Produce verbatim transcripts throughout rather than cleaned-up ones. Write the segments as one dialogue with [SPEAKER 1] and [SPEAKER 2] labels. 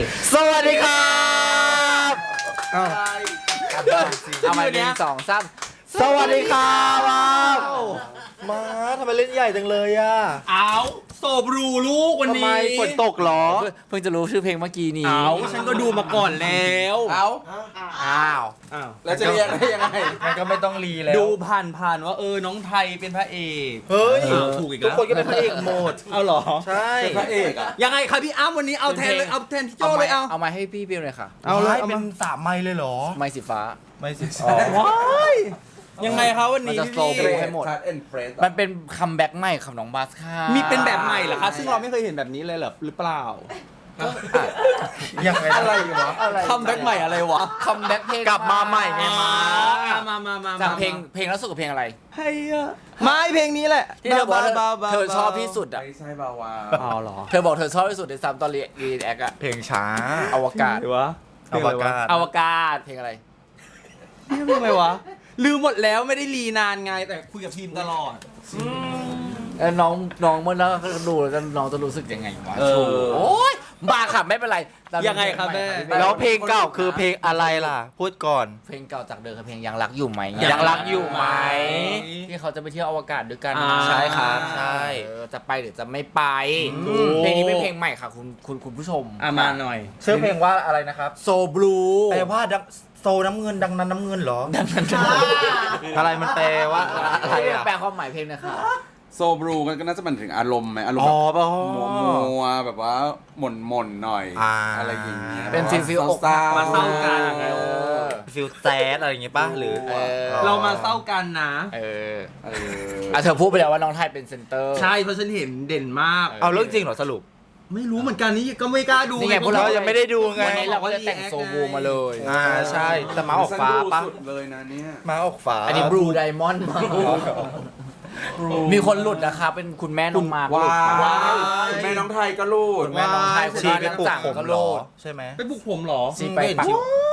[SPEAKER 1] สวัสดีครับเอาเอามาหนึ่งสองสามสวัสดีครับมาทำไมเล่นใหญ่จังเลยอ่ะ
[SPEAKER 2] เอาโซบรูลูกวันนี้
[SPEAKER 1] ทำไมฝนตกหรอเพิ่งจะรู้ชื่อเพลงเมื่อกี้นี้
[SPEAKER 2] เอาฉันก็ดูมาก่อนแล้ว
[SPEAKER 1] เอาอ้าว
[SPEAKER 2] อ้าว
[SPEAKER 1] แล้วจะเรียกได้ยังไงมันก็ไม่ต้องรีแล้ว
[SPEAKER 2] ดูผ่านผ่านว่าเออน้องไทยเป็นพระเอก
[SPEAKER 1] เฮ้ย
[SPEAKER 2] ถูกอีกแล้ว
[SPEAKER 1] ทุกคนก็เป็นพระเอกหมด
[SPEAKER 2] เอาหรอ
[SPEAKER 1] ใช่
[SPEAKER 2] เป็นพระเอกอะยังไงครับพี่อ้ำวันนี้เอาแทนเลยเอาแทนพี่โจเลยเอา
[SPEAKER 1] เอามาให้พี่เปียวเลยค่ะ
[SPEAKER 2] เอาเลย
[SPEAKER 1] เป็นสามไม้เลยเหรอไม้สีฟ้าไม้สีฟ้า
[SPEAKER 2] ว้ายยังไงครับวันนี้
[SPEAKER 1] จะโซโบให้หมดมันเป็นคัมแบ็กใหม่ของน้องบาสค่ะ
[SPEAKER 2] มีเป็นแบบใหม่เหรอคะซึ่งเราไม่เคยเห็นแบบนี้เลยเหรอหรือเปล่า
[SPEAKER 1] ยังไง
[SPEAKER 2] อะไรวะคัมแบ็กใหม่อะไรวะ
[SPEAKER 1] คัมแบ็กเพลงกลับมาใหม่ไงมา
[SPEAKER 2] มามามา
[SPEAKER 1] จากเพลงเพลงล่าสุดกับเพลงอะไร
[SPEAKER 2] เฮ้ยไม่เพลงนี้แหละ
[SPEAKER 1] ที่เธอบอกเธอชอบที่สุดอ่ะ
[SPEAKER 3] ไม่ใช่บาวา
[SPEAKER 2] อ๋อเหรอ
[SPEAKER 1] เธอบอกเธอชอบที่สุดในซ้ำตอนรีแอคอะ
[SPEAKER 3] เพลงช้า
[SPEAKER 1] อวกาศ
[SPEAKER 2] หรือวะ
[SPEAKER 1] อวกาศ
[SPEAKER 2] อวกาศ
[SPEAKER 1] เพลงอะไร
[SPEAKER 2] เพลงอะไรวะลืมหมดแล้วไม่ได้รีนานไงแต่คุยกับทีมตลอด
[SPEAKER 1] แล้วน้องน้องเมื่อแล้วดูแล้วน้องจะรู้สึกยังไงวะโอ้ยบ้าค่ะไม่เป็นไร
[SPEAKER 2] ยังไงครับแม่
[SPEAKER 1] แล้วเพลงเก่าคือเพลงอะไรล่ะพูดก่อนเพลงเก่าจากเดิมคือเพลงยังรักอยู่ไหมยังรักอยู่ไหมที่เขาจะไปเที่ยวอวกาศด้วยกันใช่ครับใช่จะไปหรือจะไม่ไปเพลงนี้เป็นเพลงใหม่ค่ะคุณคุณคุณผู้ชม
[SPEAKER 2] มาหน่อย
[SPEAKER 1] ชื่อเพลงว่าอะไรนะครับโซบลูแปลว่าโซน้ำเงินดังนั้นน้ำเงินเหรอดังนั้นอะไรมันแปลว่าอะไรแปลความหมายเพลงนะคะ
[SPEAKER 3] โซบรูก็น่าจะเป็นถึงอารมณ์ไหมอารมณ์แบบมัวแบบว่าหม่นหม่นหน่อยอะไรอย่างเงี้ย
[SPEAKER 1] เป็นฟิลฟิลอก
[SPEAKER 2] มาเศร้ากัน
[SPEAKER 1] ฟิลแซดอะไรอย่างเงี้ยป่ะหรือ
[SPEAKER 2] เรามาเศร้ากันนะ
[SPEAKER 1] เออเออเธอพูดไปแล้วว่าน้องไทยเป็นเซนเตอร์
[SPEAKER 2] ใช่เพราะฉันเห็นเด่นมาก
[SPEAKER 1] เอาเรื่องจริงเหรอสรุป
[SPEAKER 2] ไม่รู้เหมือนกันนี่ก็ไม่กล้าดู
[SPEAKER 1] นี่ไงพวกเรายังไม่ได้ดูไงวันนี้เราก็จะแต่งโซบูมาเลยอ่าใช่แต่ม้าออกฟ้าป่ะ
[SPEAKER 3] เลยนะเนี่ย
[SPEAKER 1] ม้าออกฟ้าอันนี้บลูไดมอนด์มีคนหลุดนะคะเป็นคุณแม่น้องมาร์
[SPEAKER 3] ว้าวคุณแม่น้องไทยก็หลุด
[SPEAKER 1] คุณแม่น้องไทยชีไปปลุกผมก็หลุดใช่ไหม
[SPEAKER 2] ไปปลุกผมหรอ
[SPEAKER 1] ชีไปปัก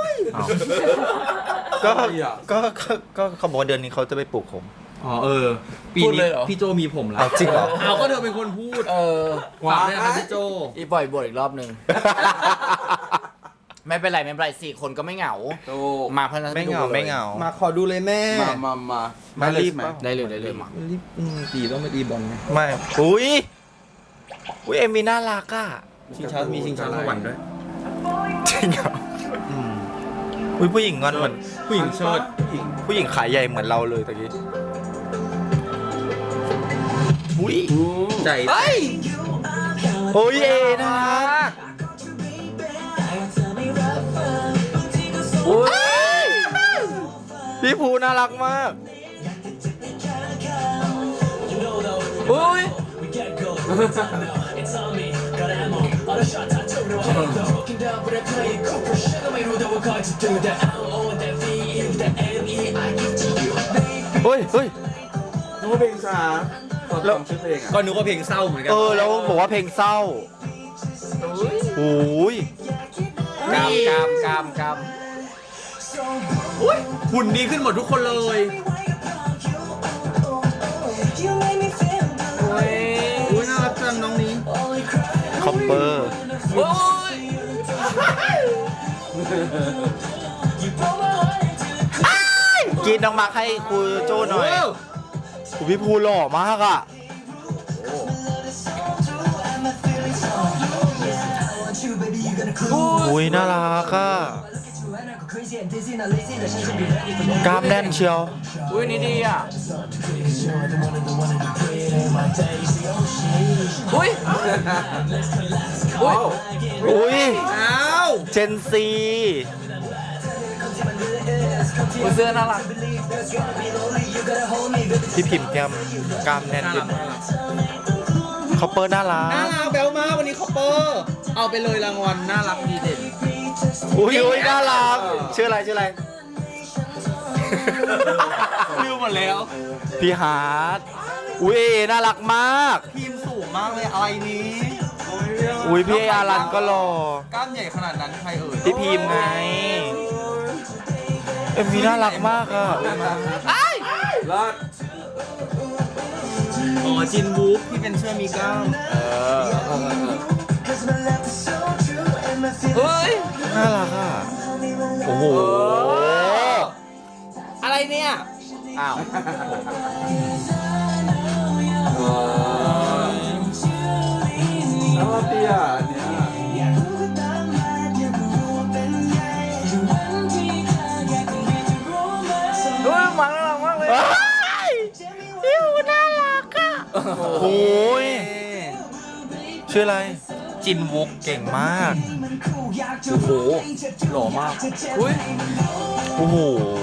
[SPEAKER 1] ก็ก็ก็เขาบอกเดือนนี้เขาจะไปปลุกผม
[SPEAKER 2] อ๋อเออปีนี้พี่โจมีผมแล้ว
[SPEAKER 1] จริงเหรอ
[SPEAKER 2] เอาก็เธอเป็นคนพูด
[SPEAKER 1] เออ
[SPEAKER 2] ฝากด้วยนะพี่โจ
[SPEAKER 1] อีบ่อยบ่อยอีกรอบนึงไม่เป็นไรไม่เป็นไรสี่คนก็ไม่เหงามาเพราะนั้น
[SPEAKER 3] ไม่เหงาไม่เหงา
[SPEAKER 2] มาขอดูเลยแม่
[SPEAKER 3] มามามา
[SPEAKER 1] มารีบได้เลยได้เลยมา
[SPEAKER 2] รีบตีต้องไปตีบอลไง
[SPEAKER 1] ไม่อุ้ยอุ้ยเอ็มวีน่ารักอ่ะ
[SPEAKER 2] ชิงช้ามีชิงช้าสวรรค์ด้วย
[SPEAKER 1] จริงเหรออุ้ยผู้หญิงงอนเหมือน
[SPEAKER 2] ผู้หญิงเชิด
[SPEAKER 1] ผู้หญิงขายใหญ่เหมือนเราเลยตะกี้อุ้ย
[SPEAKER 2] ใจ
[SPEAKER 1] เฮ้ยโอ้ยเอน่ารักพี่ภูน่ารักมากอุ้ยเฮ้ยเฮ้ย
[SPEAKER 3] นึกว่าเพลงช้าแล้วชื่อเพลงอ่ะ
[SPEAKER 2] ก็นึกว่าเพลงเศร้าเหมือนกัน
[SPEAKER 1] เออแล้วบอกว่าเพลงเศร้าโอ้ยกามกามกามกาม
[SPEAKER 2] หุ่นดีขึ้นหมดทุกคนเลยโอ้ยน่ารักจังน้องนี้
[SPEAKER 1] คอปเปอร์โอ้ยกินน้องมาร์คให้ครูโจ้หน่อยครูพี่ภูหล่อมากอ่ะอุ้ยน่ารักอ่ะกล้ามแน่นเชียวอุ้ยนี่ดีอ่ะอุ้ยอุ้ยอุ้ย
[SPEAKER 2] อ้าว
[SPEAKER 1] เจนซีเสื้อน่ารักพี่พิมพ์แก้มกล้ามแน่นขึ้นคอปเปอร์น่ารัก
[SPEAKER 2] น่ารักแบลมากวันนี้คอปเปอร์เอาไปเลยรางวัลน่ารักดีเด่น
[SPEAKER 1] อุ้ยอุ้ยน่ารักชื่ออะไรชื่ออะไร
[SPEAKER 2] ลืมหมดแล้ว
[SPEAKER 1] พี่ฮาร์ดอุ้ยน่ารักมาก
[SPEAKER 2] ทีมสูงมากเลยอะไรนี้
[SPEAKER 1] อุ้ยพี่อารันก็หล่อก
[SPEAKER 2] ล้ามใหญ่ขนาดนั้นใครเอ่ย
[SPEAKER 1] พี่พิมพ์ไงเอ็มวีน่ารักมากอ่ะ
[SPEAKER 3] รอด
[SPEAKER 2] อ๋อจินวูฟที่เป็นเสื้อมีกล้ามเออ
[SPEAKER 1] เฮ้ย
[SPEAKER 2] น่ารักอ่ะ โอ้โห อะไรเนี่ย
[SPEAKER 1] อ้าว
[SPEAKER 3] น่ารักดีอ่ะเนี่ย
[SPEAKER 1] ดูมันน่ารักมากเลยดิวน่ารักอ่ะ
[SPEAKER 2] โอ้ยชื่ออะไร จินวุกเก่งมาก
[SPEAKER 1] โอ้โหหล่อมากอุ้ย
[SPEAKER 2] โอ้โห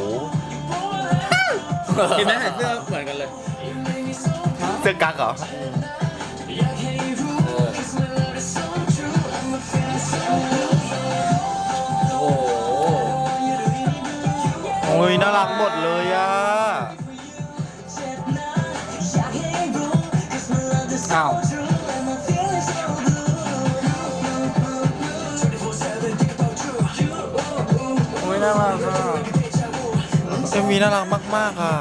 [SPEAKER 1] เห็นไหมใส่เสื้อเหมือนกันเลย
[SPEAKER 2] เสื้อกั๊กเหรอ
[SPEAKER 1] โอ้โห
[SPEAKER 2] โอ้ยน่ารักหมดเลยอ่ะ
[SPEAKER 1] อ้าวโอ้ยน่ารักอ่ะ
[SPEAKER 2] เอ็มวีน่ารักมากๆอ่ะ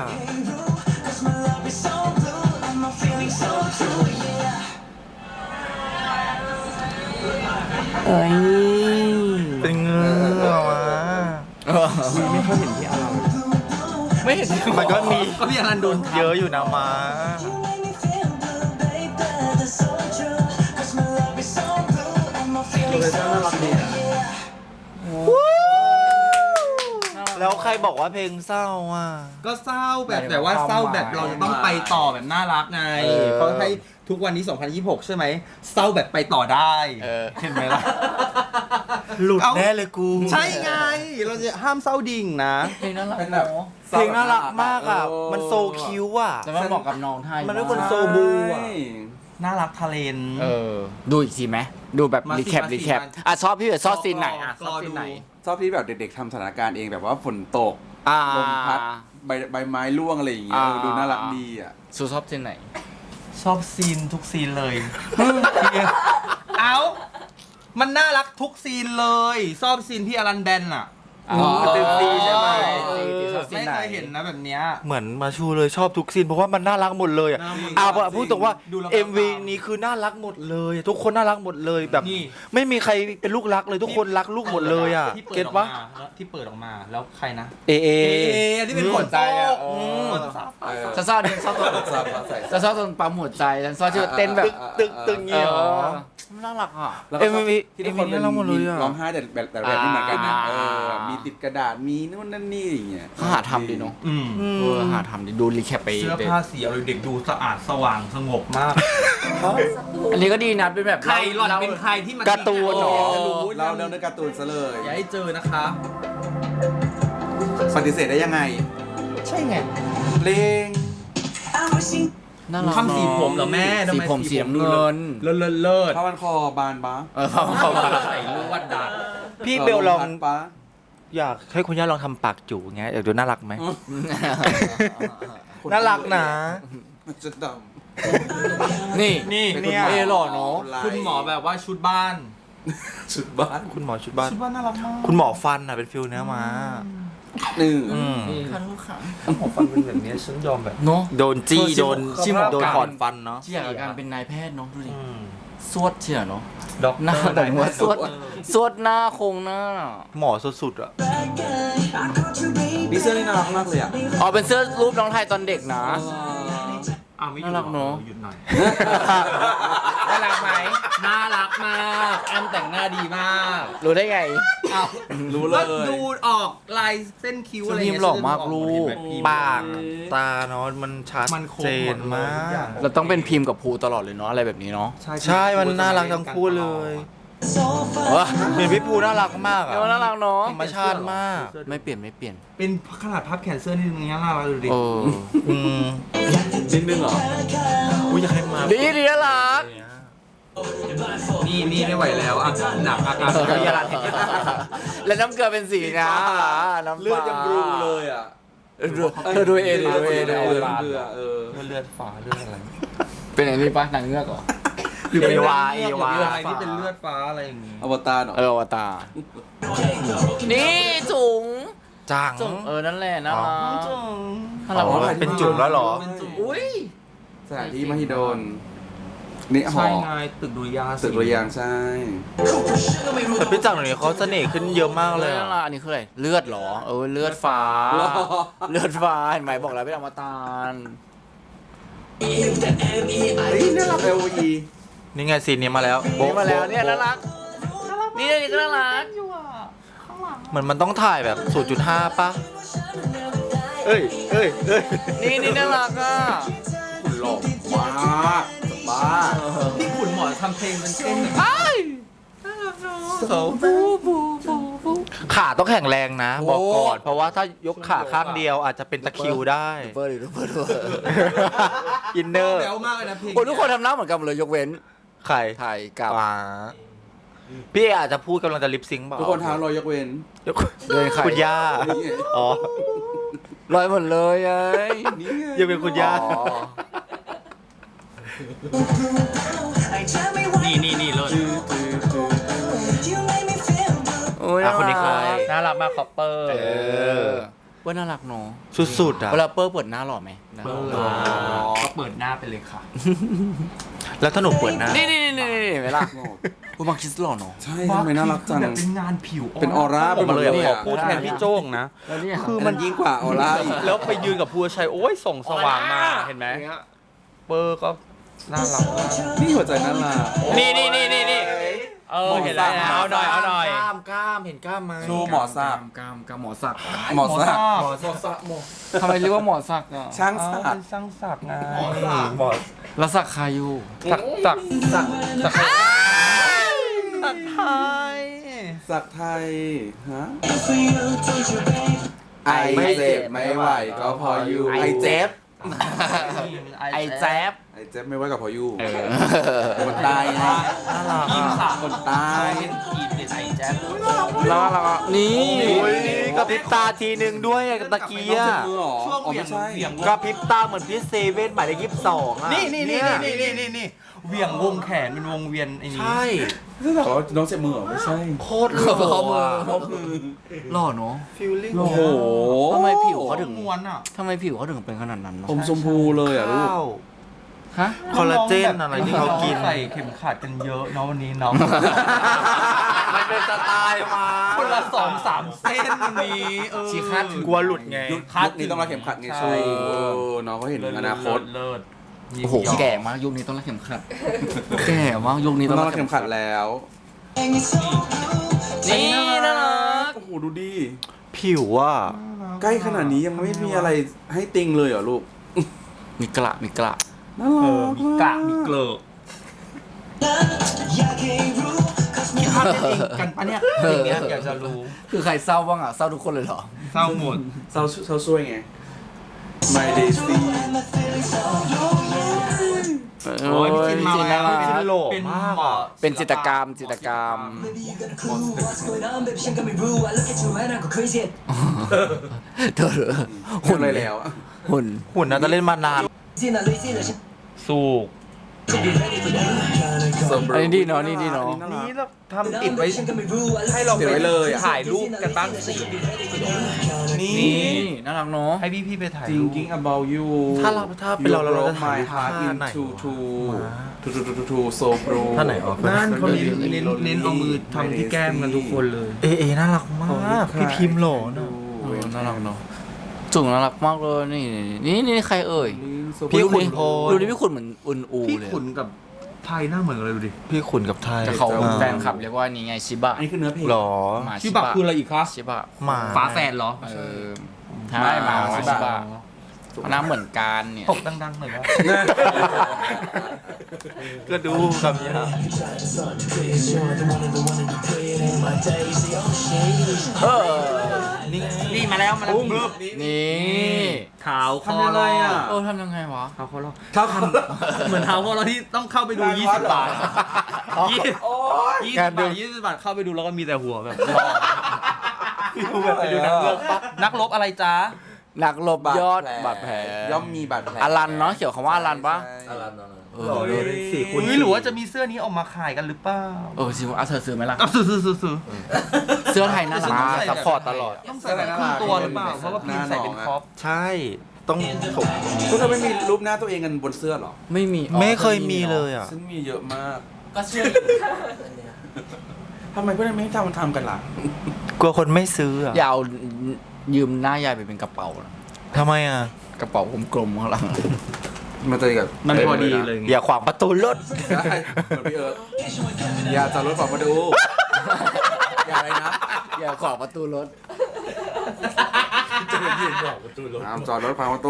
[SPEAKER 1] เอ้ย
[SPEAKER 2] เป็นเงือกวะ
[SPEAKER 3] ไม่ค่อยเห็นที่อะไร
[SPEAKER 1] ไม่เห็น
[SPEAKER 2] มันก็มี
[SPEAKER 1] ก็พี่อนันต์โดน
[SPEAKER 2] เยอะอยู่นะมา
[SPEAKER 3] เลยน่ารักดีอ่ะ
[SPEAKER 2] แล้วใครบอกว่าเพลงเศร้าอ่ะ
[SPEAKER 4] ก็เศร้าแบบแต่ว่าเศร้าแบบเราจะต้องไปต่อแบบน่ารักไง
[SPEAKER 2] เออ
[SPEAKER 4] เขาให้ทุกวันนี้ สองพันยี่สิบหก ใช่ไหมเศร้าแบบไปต่อได้
[SPEAKER 1] เออ
[SPEAKER 4] เห็นไหมล่ะ
[SPEAKER 2] หลุด
[SPEAKER 4] เอ้า
[SPEAKER 2] แน่เลยกู
[SPEAKER 4] ใช่ไง เราจะห้ามเศร้าดิ่งนะ
[SPEAKER 1] เพลงน่ารัก
[SPEAKER 3] เป็นแบบ
[SPEAKER 2] เพลงน่ารักมากอ่ะ มันโซคิวอ่ะ
[SPEAKER 1] แต่มันเหมาะกับน้องไทย
[SPEAKER 2] มันเป็นคน
[SPEAKER 1] าก
[SPEAKER 2] โซบูอะ
[SPEAKER 4] น่ารักทะเลน
[SPEAKER 1] เออ ดูอีกทีไหมดูแบบ
[SPEAKER 4] มาสิ
[SPEAKER 1] รีแคป
[SPEAKER 4] มาสิ
[SPEAKER 1] รีแคป
[SPEAKER 4] มา
[SPEAKER 1] อ่ะชอบพี่เอ๋ชอบซีนไหนอ่ะช
[SPEAKER 4] ร
[SPEAKER 1] อบ
[SPEAKER 4] อ
[SPEAKER 1] ซี
[SPEAKER 4] ดู
[SPEAKER 1] นไหน
[SPEAKER 3] ชอบที่แบบเด็กๆทำสถานการณ์เองแบบว่าฝนตก
[SPEAKER 1] อ่า
[SPEAKER 3] ลมพัดใบใบไม้ร่วงอะไรอย่างเงี้ย
[SPEAKER 1] อ่า
[SPEAKER 3] เออดูน่ารักดีอ่ะ
[SPEAKER 1] ซูชอบซีนไหน
[SPEAKER 4] ชอบซีนทุกซีนเลย เอา มันน่ารักทุกซีนเลยชอบซีนพี่อลันแบนอะ
[SPEAKER 1] อ๋อ
[SPEAKER 2] เต็มซีใช่ไหม
[SPEAKER 1] ชอบซีน
[SPEAKER 4] ไม่
[SPEAKER 1] ไหน
[SPEAKER 4] เคยเห็นนะแบบเนี้ย
[SPEAKER 2] เหมือนมาชูเลยชอบทุกซีนเพราะว่ามันน่ารักหมดเลยอ่ะ
[SPEAKER 4] น่ารัก
[SPEAKER 2] อ่ะพูดตรงว่า
[SPEAKER 4] ดูแล้ว
[SPEAKER 2] เอ็ม วี
[SPEAKER 4] ตาม
[SPEAKER 2] นี้คือน่ารักหมดเลย ทุกคนน่ารักหมดเลยแบบ
[SPEAKER 4] นี่
[SPEAKER 2] ไม่มีใครเป็นลูกรักเลยทุกคนรักลูกหมดเลยอ่ะ
[SPEAKER 4] ที่เปิ
[SPEAKER 2] เก็
[SPEAKER 4] ด
[SPEAKER 2] ต
[SPEAKER 4] ออก
[SPEAKER 2] ปะ
[SPEAKER 4] มาแล้วที่เปิดออกมาแล้วใครนะ
[SPEAKER 2] เอเอ
[SPEAKER 4] ที่เป็นขนใจอ่ะ
[SPEAKER 1] อืม
[SPEAKER 4] ขนซับ
[SPEAKER 3] เออ
[SPEAKER 1] ฉันชอบฉันชอบตอน
[SPEAKER 3] ซับใส่
[SPEAKER 1] ฉันชอบตอนปั๊มหัวใจฉันชอบที่เต้นแบบ
[SPEAKER 2] ตึกตึกเงี้ยเหรอ
[SPEAKER 1] น่ารักอ่ะ
[SPEAKER 3] แล้วก็ชอบ
[SPEAKER 2] เอ็มวี
[SPEAKER 3] ที่ทุกคน
[SPEAKER 2] เอ็มวีน่ารักหมดเลยอะ
[SPEAKER 3] ร้องไห้แต่แบบแต่แบบไม่เหมือนกันนะ
[SPEAKER 1] อ่า
[SPEAKER 3] เออมีติดกระดาษมีนู่นนั่นนี่อย่างเงี้ย
[SPEAKER 1] เขาหาทำดีเนาะ
[SPEAKER 4] อืม
[SPEAKER 1] เออหาทำดีดูรีแคปไป
[SPEAKER 4] เสื้อผ้าสีอะไรเด็กดูสะอาดสว่างสงบมาก
[SPEAKER 1] อันนี้ก็ดีนะเป็นแบบ
[SPEAKER 4] ใครหล่อนเป็นใครที่มัน
[SPEAKER 2] การ์ตูนเหรอ
[SPEAKER 4] จะรู้
[SPEAKER 3] เราเดินด้วยการ์ตูนซะเลย
[SPEAKER 4] อย่าให้เจอนะคะ
[SPEAKER 3] ปฏิเสธได้ยังไง
[SPEAKER 4] ใช่ไง
[SPEAKER 3] เพลง
[SPEAKER 1] น่ารัก
[SPEAKER 4] ทำสีผมเหรอแม่ทำ
[SPEAKER 1] สี
[SPEAKER 4] ไม
[SPEAKER 1] ผมสีน้ำเงิน
[SPEAKER 4] เลิศเลิศเลิศ
[SPEAKER 3] ข้าวมันคอบานปะ
[SPEAKER 1] เออพอพอมา
[SPEAKER 4] ใส่ลวดดัด
[SPEAKER 2] พี่เบลลอง
[SPEAKER 3] พัดปะ
[SPEAKER 2] อยากให้คุณย่าลองทำปากจู่อย่างเงี้ยอยากดูน่ารักไหม น่ารักนะ
[SPEAKER 3] มันจะด
[SPEAKER 1] นี่
[SPEAKER 4] นี่
[SPEAKER 3] ำ
[SPEAKER 4] เนี่ย
[SPEAKER 1] เอหล่อเนอะ
[SPEAKER 4] คุณหมอแบบว่าชุดบ้าน
[SPEAKER 3] ชุดบ้าน
[SPEAKER 2] คุณหมอชุดบ้าน
[SPEAKER 4] ชุดบ้านน่ารักมาก
[SPEAKER 2] คุณหมอฟันอ่ะเป็นฟิลเนื้อมา
[SPEAKER 3] นี่
[SPEAKER 2] อืม
[SPEAKER 1] คันลูกขา
[SPEAKER 4] หมอฟันเป็นแบบนี้ฉันยอมแบบ
[SPEAKER 1] เนาะ
[SPEAKER 2] โดนจี้
[SPEAKER 1] เออ
[SPEAKER 2] โดน
[SPEAKER 1] ชิม
[SPEAKER 2] โดน
[SPEAKER 1] ชิม
[SPEAKER 2] ถอนฟันเนาะ
[SPEAKER 1] ที่อยากกับการเป็นนายแพทย์เนาะดูดิ
[SPEAKER 4] อืม
[SPEAKER 1] สวดเชียเนาะ
[SPEAKER 4] ด็อก
[SPEAKER 1] หน้า
[SPEAKER 4] เตอร์
[SPEAKER 1] แต่ว่าสวด
[SPEAKER 4] ด็อกเตอร์
[SPEAKER 1] สวดหน้าโครงหน้า
[SPEAKER 2] หมอสุดๆอ่ะ
[SPEAKER 3] ดีเซอร์นี่น่ารักมากเลยอ่ะ
[SPEAKER 1] อ๋อเป็นเสื้อรูปน้องไทยตอนเด็กนะ
[SPEAKER 4] อ้าวไม่หยุด
[SPEAKER 1] น่ารักเนอะ
[SPEAKER 4] หยุดหน่อย
[SPEAKER 1] น่ารักไหม
[SPEAKER 4] น่ารักมากแอมแต่งหน้าดีมาก
[SPEAKER 1] รู้ได้ไง
[SPEAKER 4] อ้าว
[SPEAKER 3] รู้เลย
[SPEAKER 4] ก็ดูออกลายเส้นคิ้วอะไร
[SPEAKER 1] พิมพ์หล่อมากลูก
[SPEAKER 2] ปากตาเนาะมันชัด
[SPEAKER 4] มันคม
[SPEAKER 2] เจ
[SPEAKER 4] หม
[SPEAKER 2] น
[SPEAKER 4] ดเลย
[SPEAKER 2] มา
[SPEAKER 4] ทุกอย่าง
[SPEAKER 2] ก
[SPEAKER 1] เราต้องเป็นพิมพ์กับภูตลอดเลยเนาะอะไรแบบนี้เนาะ
[SPEAKER 2] ใช่มันน่ารักทั้งคู่เลย
[SPEAKER 1] เออ
[SPEAKER 2] เห็นพี่ภูน่ารักมากอ่ะ
[SPEAKER 1] เดี๋ยวน่ารักเนาะ
[SPEAKER 2] ธรรมชาติมาก
[SPEAKER 1] ไม่เปลี่ยนไม่เปลี่ยน
[SPEAKER 4] เป็นขนาดพับแขนเสื้อนี่มันยังน่ารักดูดิ
[SPEAKER 1] เออ
[SPEAKER 2] อืม
[SPEAKER 3] นิดนึงเหรอ
[SPEAKER 2] อุ้ยอยากให้มา
[SPEAKER 1] ดีดีน่ารัก
[SPEAKER 4] นี่นี่ไม่ไหวแล้วอ่ะหนักอาการ
[SPEAKER 1] เออ
[SPEAKER 4] เป็นอะไร
[SPEAKER 1] แล้วน้ำเกลือเป็นสีนะน้ำ
[SPEAKER 3] เลือดยังรูเลยอ่ะ
[SPEAKER 1] เธอดูเองดิดูเอง
[SPEAKER 3] เลื
[SPEAKER 1] ดู
[SPEAKER 3] อ
[SPEAKER 1] เอง
[SPEAKER 3] ดเลือดเออ
[SPEAKER 4] เลือดฟ้าเลือดอะไร
[SPEAKER 1] เป็นไอ้นี่ปะนางเงือกเหรอ
[SPEAKER 2] หรือเป็นวาเอวา
[SPEAKER 4] เลือดอะไรที่เป็นเลือดฟ้าอะไรอย่างงี้
[SPEAKER 3] อวตารเหรอ
[SPEAKER 1] เอออวตารนี่จุ๋ง
[SPEAKER 2] จัง
[SPEAKER 1] จุ๋งเออนั่นแหละน่ารักน่า
[SPEAKER 2] อ๋
[SPEAKER 1] รัก
[SPEAKER 2] อ
[SPEAKER 1] มาก
[SPEAKER 2] เป็นจุ่มแล้วเหรอ
[SPEAKER 4] เป็นจุ่ม
[SPEAKER 1] อุ้ย
[SPEAKER 3] สถานที่มหิดลนี่หอ
[SPEAKER 2] ใช่ไงตึกดุริยางค์
[SPEAKER 3] ตึกระยางใช่
[SPEAKER 4] แต่พี่จังหน่อยเขาเสน่ห์ขึ้นเยอะมากเลย
[SPEAKER 1] นั่
[SPEAKER 4] อะ
[SPEAKER 1] นล่ะอันนี้คืออะไรเลือดเหรอเออเลือดฟ้า เลือดฟ้าเห็นไหมบอกแล้วเป็นอมตะ
[SPEAKER 3] เฮ้ยน่ารัก เอ โอ อี
[SPEAKER 4] นี่ไงซีนนี้มาแล้ว
[SPEAKER 1] นี่มาแล้วเนี่ยน่ารักนี่นี่ก็น่ารัก
[SPEAKER 4] เหมือนมันต้องถ่ายแบบ ศูนย์จุดห้า ป่ะ เอ้ยเอ้ยเอ้ย
[SPEAKER 1] นี่นี่น่ารักอ่ะ
[SPEAKER 3] คุณหล่อมากบ้า
[SPEAKER 2] นี่ขุนหมอทำเพลงเป็นเต้น
[SPEAKER 4] ขาต้องแข็งแรงนะ บอกก่อน เพราะว่าถ้ายกขาข้างเดียวอาจจะเป็นตะคริวได้
[SPEAKER 1] เบอร์หรือเบอร์ด้วย
[SPEAKER 4] อินเนอร์
[SPEAKER 2] แล้วมากเลยนะเพลง
[SPEAKER 1] โอ้ยทุกคนทำหน้าเหมือนกันหมดเลยยกเว้น
[SPEAKER 4] ใคร
[SPEAKER 1] ไทยกับ
[SPEAKER 4] อ่าพี่เออาจจะพูดกำลังจะลิปซิงค์เปล่า
[SPEAKER 3] ทุกคนท้ารอยยกเว้น
[SPEAKER 4] ยก
[SPEAKER 1] เดินใคร
[SPEAKER 4] คุณย่า อ๋อ
[SPEAKER 1] ลอยหมดเลยไอ้
[SPEAKER 3] นี่ไง
[SPEAKER 4] ยังเป็นคุณย่า
[SPEAKER 1] อ๋อ
[SPEAKER 2] นี่นี่นี่เลย
[SPEAKER 1] โอ้ย
[SPEAKER 4] อ่ะคนนี้ใคร
[SPEAKER 2] น่ารักมากคอปเปอร์
[SPEAKER 1] เออเปิ้ลน่ารักเนาะ
[SPEAKER 4] สุดๆอ่ะ
[SPEAKER 1] เวลาเปิ้ลเปิดหน้าหล่อไหม
[SPEAKER 2] เปิดก็เปิดหน้าไปเลยค่ะ
[SPEAKER 4] แล้วถ้าหนูเปิดหน้า
[SPEAKER 1] นี่นี่นี่นี่นี่เวลาคุณมาคิสหล่อเนาะ
[SPEAKER 3] ใช่ทำไมน่ารักจัง
[SPEAKER 2] แบบเป็นงานผิว
[SPEAKER 3] เป็นออร่า
[SPEAKER 4] ผมมาเลย
[SPEAKER 3] ไปหมดเลย
[SPEAKER 4] ข
[SPEAKER 3] อะ
[SPEAKER 4] อพูดแทนพี่โจ้งนะ
[SPEAKER 1] แล้วนี่
[SPEAKER 3] คือมันยิ่งกว่าออร่าอีก
[SPEAKER 4] แล้วไปยืนกับภูชัยโอ้ยส่งสว่างมาเห็นไหมเปอร์ก็น่ารักมาก
[SPEAKER 3] นี่หัวใจน่ารัก
[SPEAKER 4] นี่นี่นี่นี่นี่เออเห็นแล้วเอาหน่อยเอาหน่อย
[SPEAKER 1] กล้ามกล้ามเห็นกล้ามไหม
[SPEAKER 3] โชว์หมอสัก
[SPEAKER 1] กล้ามกล้ามหมอสัก
[SPEAKER 3] หมอสัก
[SPEAKER 2] หมอ
[SPEAKER 1] ทำไมเรียกว่าหมอสักอ่ะ
[SPEAKER 3] ช่าง
[SPEAKER 2] เอา
[SPEAKER 3] สัก
[SPEAKER 2] เป็นช่างสักไงหมอ
[SPEAKER 1] แล้วสักใครอยู่
[SPEAKER 2] สักสักสักสักใคร
[SPEAKER 4] สักไทย
[SPEAKER 3] สักไทยฮะไอเจ็บไม่ไหวก็พออยู่
[SPEAKER 1] ไอเจ็บไอแจ๊บ
[SPEAKER 3] ไอเจ็บไม่ไหวก็พออยู่
[SPEAKER 1] เออ
[SPEAKER 3] คนใต้ไง
[SPEAKER 4] น่ารัก
[SPEAKER 2] ทีม
[SPEAKER 4] อ่ะ
[SPEAKER 2] สาม
[SPEAKER 3] คนใต้
[SPEAKER 2] เป็นทีมเด็ดไอแจ๊บ
[SPEAKER 1] แล้วเราก็นี่
[SPEAKER 4] โอ้ยกระพริบตาทีหนึ่งด้วยอะตะเกีย
[SPEAKER 3] เจ็บมือเหรอ
[SPEAKER 2] ช่วง
[SPEAKER 3] อ๋อ
[SPEAKER 2] เหวี่ย
[SPEAKER 3] ไม่
[SPEAKER 2] ง
[SPEAKER 3] ใช่
[SPEAKER 2] เหวี่ยง
[SPEAKER 4] กระพริบตาเหมือนพี่เซเว่นหมายเลขยี่สิบสองอ่ะ
[SPEAKER 2] นี่นี่นี่
[SPEAKER 4] เย
[SPEAKER 2] นี่นี่นี่นี่เหวี่ยงวงแขนเป็นวงเวียนไอ้นี่
[SPEAKER 4] ใช่
[SPEAKER 3] อ๋อน้องเจ็บมือเหรอไม่ใช่
[SPEAKER 4] โคตรหล่อ
[SPEAKER 1] ข้อมือ
[SPEAKER 4] อะ
[SPEAKER 1] ข้อมือหล่อเนาะ
[SPEAKER 4] ฟิลลิ่ง
[SPEAKER 3] โอ้โห
[SPEAKER 1] ทำไมผิวเขาถึง
[SPEAKER 2] ม้วนอ่ะ
[SPEAKER 1] ทำไมผิวเขาถึงเป็นขนาดนั้นเนาะ
[SPEAKER 3] ผมชมพูเลยอ่ะลูก
[SPEAKER 4] ข้าว
[SPEAKER 1] ฮะ
[SPEAKER 4] คอลลาเจนอะไรที่เขากิน
[SPEAKER 2] ใส่เข็มขัดกันเยอะเนาะวันนี้เนาะ
[SPEAKER 4] มันเป็นสไตล์มา
[SPEAKER 2] คนละสองสามเส้นวันนี้เออ
[SPEAKER 1] ชีคาดถึง
[SPEAKER 4] กลัวหลุดไง
[SPEAKER 3] ยุคนี้ต้องรักเข็มขัดไง
[SPEAKER 2] ใช่
[SPEAKER 3] ชูน้องเขาเห็นอนาคต
[SPEAKER 2] เลิศ
[SPEAKER 1] โอ้โหแก่มากยุคนี้ต้องรักเข็มขัด แก่มากยุคนี้
[SPEAKER 3] ต้
[SPEAKER 1] ต้
[SPEAKER 3] อ
[SPEAKER 1] อง ง
[SPEAKER 3] รั
[SPEAKER 1] รั
[SPEAKER 3] ก
[SPEAKER 1] ก
[SPEAKER 3] เข็
[SPEAKER 1] เข็
[SPEAKER 3] ม
[SPEAKER 1] ม
[SPEAKER 3] ขั
[SPEAKER 1] ขั
[SPEAKER 3] ด
[SPEAKER 1] ด
[SPEAKER 3] แล้ว
[SPEAKER 1] นี่น่ารัก
[SPEAKER 3] โอ้โหดูดิ
[SPEAKER 4] ผิวว่า
[SPEAKER 3] ใกล้ขนาดนี้ยังไม่มีอะไรให้ติงเลยเหรอลูก
[SPEAKER 1] มีกระมีกระ
[SPEAKER 3] น่า
[SPEAKER 2] เอ
[SPEAKER 3] รั
[SPEAKER 2] อก มีกะมีเกลือมีภาพเล่นเองกันปะเนี่ยอย่างเงี้ยอยากจะรู้
[SPEAKER 1] คือใครเศร้าบ้างอ่ะเศร้าทุกคนเลยเหรอ
[SPEAKER 2] เศร้าหมด
[SPEAKER 3] เราเราช่วยไง My Daisy
[SPEAKER 2] โอ้ยพี่จินมา
[SPEAKER 1] พี่จิน
[SPEAKER 2] แล้ว
[SPEAKER 1] น่ารัก
[SPEAKER 2] พี่จิน
[SPEAKER 4] โหล่
[SPEAKER 2] เป็น
[SPEAKER 4] มาก
[SPEAKER 2] หมอ
[SPEAKER 4] อ่ะ
[SPEAKER 1] เป็นจิตรกรรมจิตรกรรมเธอ
[SPEAKER 3] หุ่นอะไรแล้วอะ
[SPEAKER 1] หุ่น
[SPEAKER 4] หุ่นน่าจะเล่นมานาน
[SPEAKER 2] สูก
[SPEAKER 1] อันนี้ดีเนาะนี่ดีเนาะ
[SPEAKER 4] นี้เราทำติดไว้ให้เรา
[SPEAKER 3] ติดไว้เลยอะ
[SPEAKER 4] ถ่ายรูปกันบ้างสินี่
[SPEAKER 1] นี่น่ารักเนาะ
[SPEAKER 2] ให้พี่พี่ๆไปถ่าย
[SPEAKER 3] จริง
[SPEAKER 2] รูป
[SPEAKER 3] จริง about you
[SPEAKER 4] ถ้าเราถ้าเป็นเราเราจะ
[SPEAKER 3] You
[SPEAKER 4] ถ่าย
[SPEAKER 3] broke my heart
[SPEAKER 4] ท่าไหน
[SPEAKER 3] into
[SPEAKER 4] วะ
[SPEAKER 3] two two two two two so pro
[SPEAKER 4] ท่าไหนออก
[SPEAKER 2] นั่นเขาเน้นเน้นเน้นเอามือทำที่แก้มกันทุกคนเลย
[SPEAKER 4] เอเอน่ารักมาก พี่พิมพ์หล่อเนอะ
[SPEAKER 1] เออน่ารักเนาะจุ่งน่ารักมากเลยนี่นี่นี่ใครเอ่ย
[SPEAKER 4] พี่ขุนพล
[SPEAKER 1] ดูดิพี่ขุนเหมือนอุนอู
[SPEAKER 2] พี่
[SPEAKER 1] เลย
[SPEAKER 2] ขุนกับไทยหน้าเหมือนกันเลยดูดิ
[SPEAKER 4] พี่ขุนกับไทย
[SPEAKER 1] แต่เขา
[SPEAKER 4] อ่
[SPEAKER 1] แฟนคลับเรียกว่านี่ไงชิบะ
[SPEAKER 3] อันนี้คือเนื้อเพลง
[SPEAKER 4] หรอ
[SPEAKER 1] หมา
[SPEAKER 2] ชิบะคืออะไรอีกคะ
[SPEAKER 1] ชิบะ
[SPEAKER 4] หมา
[SPEAKER 2] ฝาแฝดเหรอ
[SPEAKER 1] เออใช่หมาชิบะหน้าเหมือนกันเนี่ย
[SPEAKER 2] ตกดังๆหน่อยว่า
[SPEAKER 4] ก็ดูคำนี้นะ
[SPEAKER 1] เออ
[SPEAKER 2] นี่นี่มาแล้วมาแล้ว
[SPEAKER 1] นี่
[SPEAKER 2] เท้าคอ
[SPEAKER 3] ทำยังไงอะ
[SPEAKER 1] เออทำยังไงวะ
[SPEAKER 2] เท้าคอเราเท้าคำเหมือนเท้าคอเราที่ต้องเข้าไปดูยี่สิบบาทยี่สิบ ยี่สิบบาทยี่สิบบาทเข้าไปดูแล้วก็มีแต่หัวแบบดูแบบไปดูหนังเรื่องปะนักรบอะไรจ้า
[SPEAKER 1] นักลบบยอดบาดแผล
[SPEAKER 3] ย่อมมีบาดแผล
[SPEAKER 1] อลันเนาะเขียวคำว่าอลันปะ
[SPEAKER 3] อลัน
[SPEAKER 1] เออ
[SPEAKER 4] หล่อเลยสี่คูณ
[SPEAKER 2] หรือว่าจะมีเสื้อนี้ออกมาขายกันหรือเปล่า
[SPEAKER 1] เออสิวะเอาเธอซื้อไหมล่ะ
[SPEAKER 2] อ่ะซื้อซื้อซื้อซื้อ
[SPEAKER 1] เสื้อไทยน่ารัก
[SPEAKER 4] มาซัพพอร์ตตลอด
[SPEAKER 2] ต้องใส่แบบครึ่งตัวหรือเปล่าเพราะว่าพีมใส่เป็นครอป
[SPEAKER 4] ใช่ต้องถก
[SPEAKER 3] พวกเธอไม่มีรูปหน้าตัวเองกันบนเสื้อหรอ
[SPEAKER 1] ไม่มี
[SPEAKER 4] ไม่เคยมีเลยอ่ะ
[SPEAKER 3] ซึ่งมีเยอะมาก
[SPEAKER 1] ก็เชื่อ
[SPEAKER 3] ทำไมพวกนั้นไม่ให้ทำมันทำกันล่ะ
[SPEAKER 4] กลัวคนไม่ซื้ออ่ะ
[SPEAKER 1] อย่าเอายืมหน้ายายไปเป็นกระเป๋านะ
[SPEAKER 4] ทำไมอ่ะ
[SPEAKER 1] กระเป๋ากลมๆข้างหลัง
[SPEAKER 3] มันจะกับ
[SPEAKER 2] มันพอดีเลย
[SPEAKER 4] อย่าขวางประตูรถ
[SPEAKER 3] ใช่เหมือนพี่เอิร์ธอย่าจอดรถฝั่งมาดู อย่าอะไรนะ
[SPEAKER 1] อย่าขวางประตูรถ
[SPEAKER 2] จะยืนบอกประตูรถ
[SPEAKER 3] ห้ามจอดรถฝั่งประตู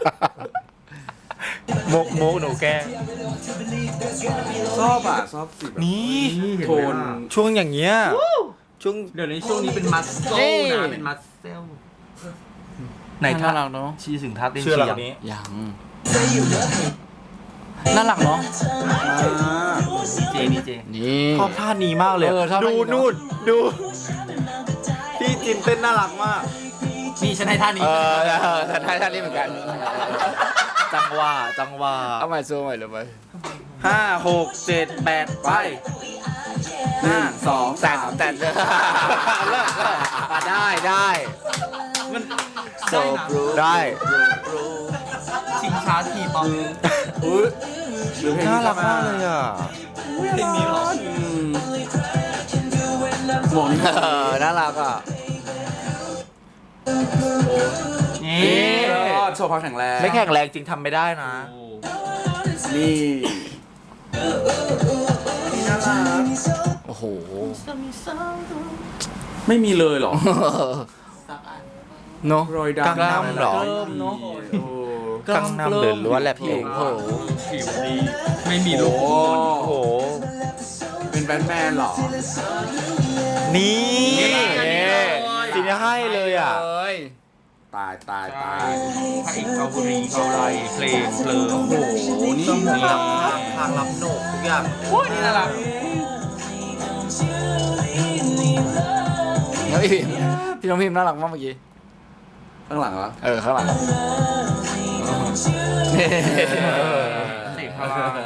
[SPEAKER 4] โมกโมกหนูแกล้ง
[SPEAKER 3] ชอบอ่ะชอบสีแบบ
[SPEAKER 4] นี่
[SPEAKER 3] โทน
[SPEAKER 4] ช่วงอย่างเงี้ย ช่วง
[SPEAKER 2] เดี๋ยวในช่วงนี้เป็นมัสเซ
[SPEAKER 1] เอ้
[SPEAKER 2] ล
[SPEAKER 1] ย
[SPEAKER 2] นะเป็นมัสเซลไหน
[SPEAKER 1] น่า
[SPEAKER 2] ท่า
[SPEAKER 1] รักเนาะ
[SPEAKER 2] ชี้ถึงท่าเต้น
[SPEAKER 4] เชื่อเรา
[SPEAKER 2] เสียง
[SPEAKER 4] นี้
[SPEAKER 1] ยังน่ารักเนาะ
[SPEAKER 3] อ่า
[SPEAKER 2] เจนี่เจ
[SPEAKER 1] นี่
[SPEAKER 4] ชอบท่านี้มากเลย
[SPEAKER 1] เออชอบท่า
[SPEAKER 4] ดู
[SPEAKER 1] นี้เนอะ
[SPEAKER 4] นู่น ดู พี่จินเต้นน่ารักมาก
[SPEAKER 2] นี่ฉันให้ท่านี้
[SPEAKER 1] เออเออท่านท่านนี้เหมือนกัน
[SPEAKER 4] จังหวะจังหวะ
[SPEAKER 1] เอาใหม่สู้ใหม่เลยไป
[SPEAKER 4] ห้าหกเจ็ดแปดไป
[SPEAKER 3] หนึ่งสอง
[SPEAKER 1] แต่
[SPEAKER 3] สาม
[SPEAKER 1] แต่เลิกเลิกอ่ะได้ได้
[SPEAKER 2] มัน
[SPEAKER 1] โซ
[SPEAKER 2] ได้นะ
[SPEAKER 1] บรู
[SPEAKER 4] ได้
[SPEAKER 2] ชิงช้าทีบอล
[SPEAKER 3] อุ้ยหรือเพลง
[SPEAKER 4] น่า
[SPEAKER 3] นี้
[SPEAKER 4] รักมากเลยอ่ะ
[SPEAKER 2] เพลงนี้เหรอ
[SPEAKER 3] อืมหมวกนี่
[SPEAKER 1] เออน่ารักอ่ะ
[SPEAKER 2] นี่
[SPEAKER 3] ยอดโชว์ความแข็งแรง
[SPEAKER 4] ไม่แข็งแรงจริงทำไม่ได้นะ
[SPEAKER 3] นี่นี่น่ารัก
[SPEAKER 1] โอ้โห
[SPEAKER 3] ไม่มีเลยเหรอ
[SPEAKER 1] เนาะ
[SPEAKER 3] รอยดำ
[SPEAKER 4] กล้ามเหรอ
[SPEAKER 3] เนาะ
[SPEAKER 4] กังนำหรือล้วนแหลบ
[SPEAKER 1] โอ้
[SPEAKER 4] เอง
[SPEAKER 1] โห
[SPEAKER 2] ผิวดี ไม่มีลู
[SPEAKER 3] โอ้
[SPEAKER 2] ก
[SPEAKER 4] โอ้โห
[SPEAKER 3] เป็นแบทแมนเหรอ
[SPEAKER 4] นี่
[SPEAKER 2] นี่
[SPEAKER 4] สีนี้ให้เลยอ่ะ
[SPEAKER 1] เลย
[SPEAKER 3] ตายตายตาย
[SPEAKER 2] พระเอกเกาหลีเกาหลีเพลงเพลิง
[SPEAKER 3] โอ้โหนี่
[SPEAKER 4] นี่รับทางรับโหนกทุกอย่าง
[SPEAKER 2] โอ้ยนี่น่ารัก
[SPEAKER 1] แล้วพี่พิมพี่น้องพิมน่ารักมากเมื่อกี้
[SPEAKER 3] ข้างหลังเหรอ
[SPEAKER 1] เออข้างหลัง
[SPEAKER 2] เสียงพลัง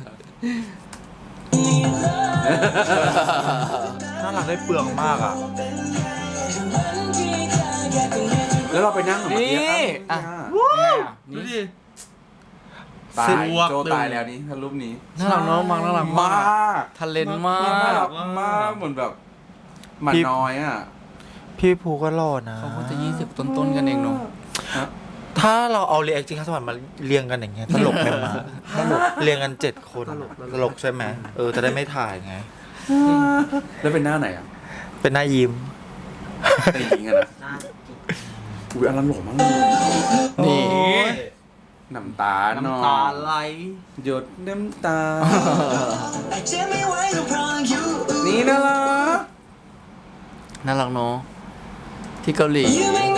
[SPEAKER 4] น่ารักได้เปลืองมากอ่ะ
[SPEAKER 3] แล้วเราไปนั่งเหรอเมื่อกี้
[SPEAKER 1] นี่
[SPEAKER 3] อ่ะ
[SPEAKER 1] อ่ะ
[SPEAKER 2] ดูดิ
[SPEAKER 3] ตาย
[SPEAKER 2] สวก
[SPEAKER 3] โจตายแล้วนี่ถ้ารูปนี้
[SPEAKER 1] น่ารักเนาะมังน่ารัก
[SPEAKER 3] มาก
[SPEAKER 1] ทะเลนมา
[SPEAKER 3] น่าก รักมากเหมือนแบบหมันน้อยอ่ะ
[SPEAKER 4] พี่ภูก็หล่อนะ
[SPEAKER 1] เขาก็จะยี่สิบต้นๆกันเองเนาะ
[SPEAKER 4] ถ้าเราเอาเรียกจริงข้าวสวรรค์มาเรียงกันอย่างเงี้ยตลกไหมมาตลกเรียงกันเจ็ดคนตลกใช่ไหมเออจะได้ไม่ถ่ายไง
[SPEAKER 3] แล้วเป็นหน้าไหนอ่ะ
[SPEAKER 4] เป็นหน้ายิ้ม
[SPEAKER 3] เป็นหญิงอะนะอุ้ยอันนั้นหล่อมากเลย
[SPEAKER 1] นี่
[SPEAKER 3] น้ำตาเนาะ
[SPEAKER 2] น้ำตาไหล
[SPEAKER 3] หยดน้ำตา นี่น่ารัก
[SPEAKER 1] น่ารักเนาะที่เกาหลี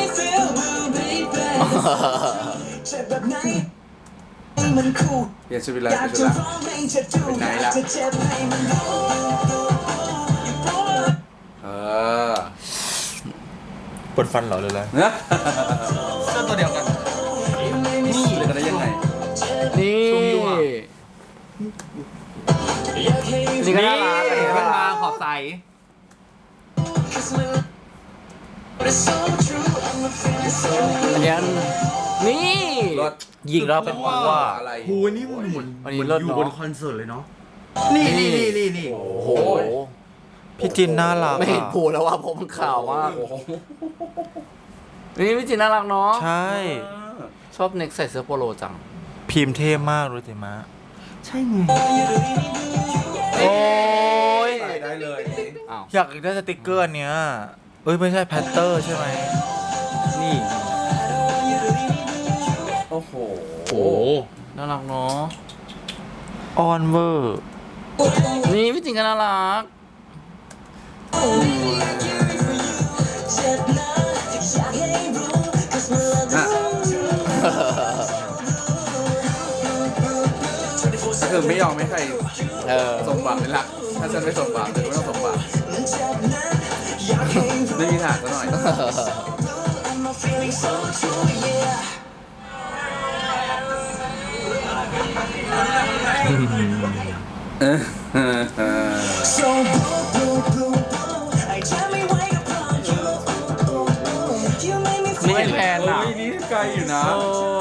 [SPEAKER 3] เปลี่ยนชุดไปเลยเปลี่ยนชุดละเป็นไหนละเออ
[SPEAKER 4] ปวดฟันเหรอหรืออะไร
[SPEAKER 3] เนื้อ
[SPEAKER 2] เสื้อตัวเดียวกัน
[SPEAKER 3] นี่เลยกันได้ยังไง
[SPEAKER 1] นี่ นี่ก็น่ารัก
[SPEAKER 2] นี่
[SPEAKER 1] อะ
[SPEAKER 2] มันมาขอบใส
[SPEAKER 1] อันนี้นี่
[SPEAKER 3] รถ
[SPEAKER 4] ยิงแล้วเป็นว่า
[SPEAKER 3] อะไร
[SPEAKER 2] หูนี่มันเหมือน
[SPEAKER 1] อัน
[SPEAKER 2] เห
[SPEAKER 1] นี้
[SPEAKER 2] มือน
[SPEAKER 1] เลิศ
[SPEAKER 2] อยู่
[SPEAKER 1] เนาะ
[SPEAKER 2] บนคอนเสิร์ตเลยเนาะ นี่นี่นี่นี่นี่
[SPEAKER 3] โอ้
[SPEAKER 1] โอ้
[SPEAKER 3] โห
[SPEAKER 1] โห
[SPEAKER 4] พี่จินน่ารัก
[SPEAKER 1] ไม่เห็น
[SPEAKER 4] อะ
[SPEAKER 1] ผูแล้วว่าผมมันขาวมาก
[SPEAKER 3] โอ้โห
[SPEAKER 1] นี่พี่จีนน่ารักเนาะ
[SPEAKER 4] ใช่
[SPEAKER 1] ชอบเน็กใส่เสื้อโปโลจัง
[SPEAKER 4] พิมพ์เท่มากรู้จิมะ
[SPEAKER 2] ใช่ไง
[SPEAKER 4] โอ้ย
[SPEAKER 3] ใส่ได้เลยนี่
[SPEAKER 1] อ้าว
[SPEAKER 4] อยากได้สติกเกอร์อันเนี้ยเอ้ยไม่ใช่แพตเตอร์ใช่ไหม
[SPEAKER 2] นี่
[SPEAKER 3] โอ้โห
[SPEAKER 2] โอ้
[SPEAKER 1] น่ารักเนาะ
[SPEAKER 4] ออนเวอร์
[SPEAKER 1] นี่พี่จีนก็น่ารัก
[SPEAKER 3] อ่ะคือไม่ยอมไม่ใคร
[SPEAKER 1] เออ
[SPEAKER 3] สมหวังเลยล่ะถ้าฉันไม่สมหวังเธอก็ไม่ต้องสมหวังไม่มีทางซะหน่อย เออเออเออ
[SPEAKER 1] นี่แทนอ่ะ
[SPEAKER 3] เฮ้ยนี่ไกลอยู่นะ
[SPEAKER 1] โอ้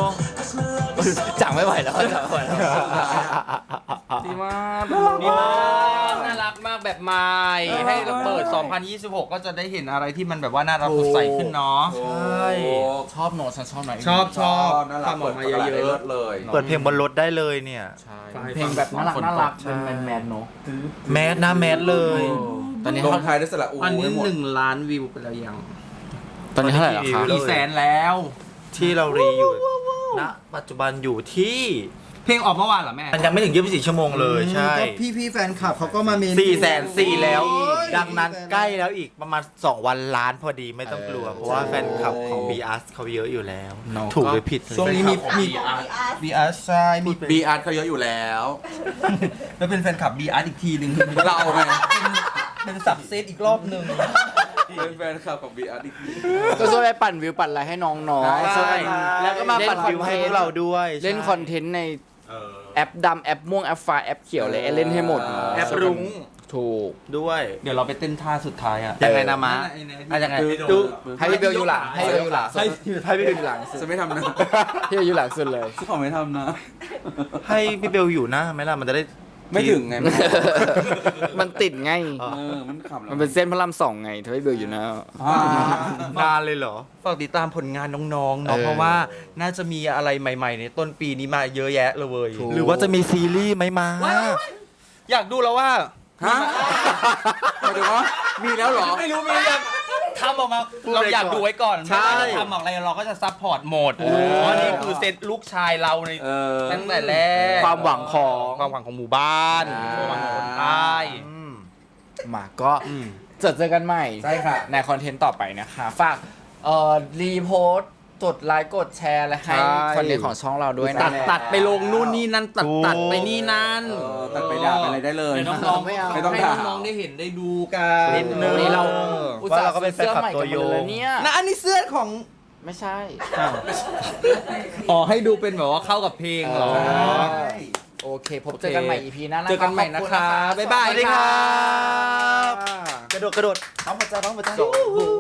[SPEAKER 1] จังไม่ไหวแล้วจังไม่ไหวแล้วดีมาก
[SPEAKER 4] ดีมากน่ารักมากแบบใหม่ให้เราเปิด สองพันยี่สิบหก ก็จะได้เห็นอะไรที่มันแบบว่าน่ารักสดใสขึ้นเนาะ
[SPEAKER 3] ใช่
[SPEAKER 1] ชอบโน้ตฉันชอบหน่อย
[SPEAKER 4] ชอบชอบ
[SPEAKER 3] น่ารัก
[SPEAKER 4] ทำออกมาเย
[SPEAKER 3] ปิดตลดได้
[SPEAKER 4] อะ
[SPEAKER 3] ลิศเลย
[SPEAKER 2] เปิดเพลงบนรถได้เลยเนี่ย
[SPEAKER 1] ใช่เพลงแบบน่ารักน่ารักเป็นแมนแมนๆเนาะ
[SPEAKER 2] แมสนะแมสเลย
[SPEAKER 1] ตอนนี้
[SPEAKER 3] ล
[SPEAKER 1] เขา
[SPEAKER 3] งท้ายด้วยสระอู
[SPEAKER 4] ๆอันนี้
[SPEAKER 3] ให้หมด
[SPEAKER 4] หนึ่งล้านวิวไปแล้วยัง
[SPEAKER 1] ตอนนี้เท่าไหร่แล้วครับ
[SPEAKER 4] กี่แสนแล้ว
[SPEAKER 2] ที่เรารีอยู่ณปัจจุบันอยู่ที่
[SPEAKER 4] เพลงออกเมื่อวานเหรอแม่
[SPEAKER 2] มันยังไม่ถึงยี่สิบสี่ชั่วโมงเลยใช่
[SPEAKER 5] ก็พี่พี่ๆแฟนคลับเขาก็มาเมน
[SPEAKER 2] สี่แสนสี่แล้ว
[SPEAKER 5] โอ้ย
[SPEAKER 2] ดังนั้นใกล้แล้วอีกประมาณสองวันล้านพอดีไม่ต้องกลัว เพราะว่าแฟนคลับของ บี อาร์ เขาเยอะอยู่แล้ว
[SPEAKER 1] เนอะ
[SPEAKER 2] ถูกหรือผิด
[SPEAKER 5] ช่วงนี้มีมีบีอาร์ใช่มี
[SPEAKER 3] บีอาร์เขาเยอะอยู่แล้ว
[SPEAKER 5] แล้วเป็นแฟนคลับบีอาร์อีกทีหนึ่ง
[SPEAKER 3] เราไง
[SPEAKER 5] เป็นสับเซตอีกรอบหนึ่ง
[SPEAKER 3] เป็นแฟนคลับของบีอาร์อีกที
[SPEAKER 1] ก็ช่วยไปปั่นวิวปั่นอะไรให้น้องๆ
[SPEAKER 2] ใช่
[SPEAKER 1] ช่วย
[SPEAKER 2] แล้วก็มาปั่นวิวให้พวกเราด้วย
[SPEAKER 1] เล่นคอนเทนต์ในแอปดำแอปม่วงแอปฟ้าแอปเขียวเลยเล่นให้หมด
[SPEAKER 2] แอปรุ้ง
[SPEAKER 1] ถูก
[SPEAKER 2] ด้วย
[SPEAKER 4] เดี๋ยวเราไปเต้นท่าสุดท้ายอ่ะ
[SPEAKER 2] ยังไงนะมะ
[SPEAKER 4] ไอ้เนี่ย
[SPEAKER 2] อ่ะยังไง
[SPEAKER 3] ดู
[SPEAKER 1] ให้พี่เบลอยู่หลังให้พี่เบลอยู่หลัง
[SPEAKER 2] ให้ให้พี่
[SPEAKER 1] พี่เบลอยู่หลังสุด
[SPEAKER 3] จะไม่ทำนะ
[SPEAKER 1] พี่เบลอยู่หลังสุดเลย
[SPEAKER 3] ฉันขอไม่ทำนะ
[SPEAKER 2] ให้พี่เบลอยู่หน้าไหมล่ะมันจะได้
[SPEAKER 3] ไม่ถึงไง
[SPEAKER 1] มันติดไง
[SPEAKER 3] เออมันขำแล้ว
[SPEAKER 1] มันเป็นเส้นพระรามสองไงถ้าพี่เบลอยู่นะ
[SPEAKER 3] อ่าน
[SPEAKER 2] านเลยเหรอ
[SPEAKER 4] ฝากติดตามผลงานน้องๆเนาะ
[SPEAKER 1] เออ
[SPEAKER 4] เพราะว่าน่าจะมีอะไรใหม่ๆ ในต้นปีนี้มาเยอะแยะเลย
[SPEAKER 1] ถูก
[SPEAKER 2] หรือว่าจะมีซีรีส์ไหมมา
[SPEAKER 4] อยากดูแล้วว่า
[SPEAKER 3] ฮะหมายถึงว่ามีแล้วเหรอ
[SPEAKER 4] ไม่รู้มียังทำออกมาเราอยากดูไว้ก่อน
[SPEAKER 2] ใช่
[SPEAKER 4] ไม่ว่าจะทำออกอะไรเราก็จะซัพพอร์ตหมด
[SPEAKER 1] โอ้
[SPEAKER 4] เพราะนี่คือเซตลูกชายเราใน
[SPEAKER 3] เออ
[SPEAKER 4] ตั้งแต่แรก
[SPEAKER 1] ความหวังของ
[SPEAKER 4] ความหวังของหมู่บ้าน
[SPEAKER 1] อ่า
[SPEAKER 4] ความหวังของคนใต้
[SPEAKER 2] อืม
[SPEAKER 1] มาก็เจอเจอกันใหม่
[SPEAKER 3] ใช่ค่ะ
[SPEAKER 1] ในคอนเทนต์ต่อไปนะคะ ฝากเอ่อรีโพสต์กดไลค์กดแชร์และให้
[SPEAKER 4] ใช่
[SPEAKER 1] คอนเทนต์ของช่องเราด้วยนะ
[SPEAKER 4] ตัดตัดไปลงนู่นนี่นั่นตัด
[SPEAKER 2] ถูก
[SPEAKER 4] ตัดไปนี่นั่น
[SPEAKER 3] เออตัดไปด่าไปอะไรได้เลย
[SPEAKER 4] ให้น้องๆ
[SPEAKER 1] ไม่เอา
[SPEAKER 3] ไม่ต้อง
[SPEAKER 4] ให้
[SPEAKER 3] ด่า
[SPEAKER 4] น้องๆได้เห็นได้ดูกัน
[SPEAKER 2] นิดนึง
[SPEAKER 1] วันนี้เรา
[SPEAKER 2] เพราะเราก็เป็นแฟนคลับตัวยง
[SPEAKER 1] เลยเนี่ย
[SPEAKER 5] นะอันนี้เสื้อของ
[SPEAKER 1] ไม่ใช่
[SPEAKER 4] อ๋อให้ดูเป็นแบบว่าเข้ากับเพลงเหรอ
[SPEAKER 1] โอเค พบเจอกันใหม่ อี พี หน้านะ
[SPEAKER 4] เจอกันใหม่นะ
[SPEAKER 1] ขอบ
[SPEAKER 4] คะ
[SPEAKER 1] ณ
[SPEAKER 4] บ๊ายบาย
[SPEAKER 2] สวัสดีค
[SPEAKER 4] ค่ะ
[SPEAKER 2] รับ กระโดดกระโดด
[SPEAKER 1] พร้อมหัวใจพร้อมหัวใจ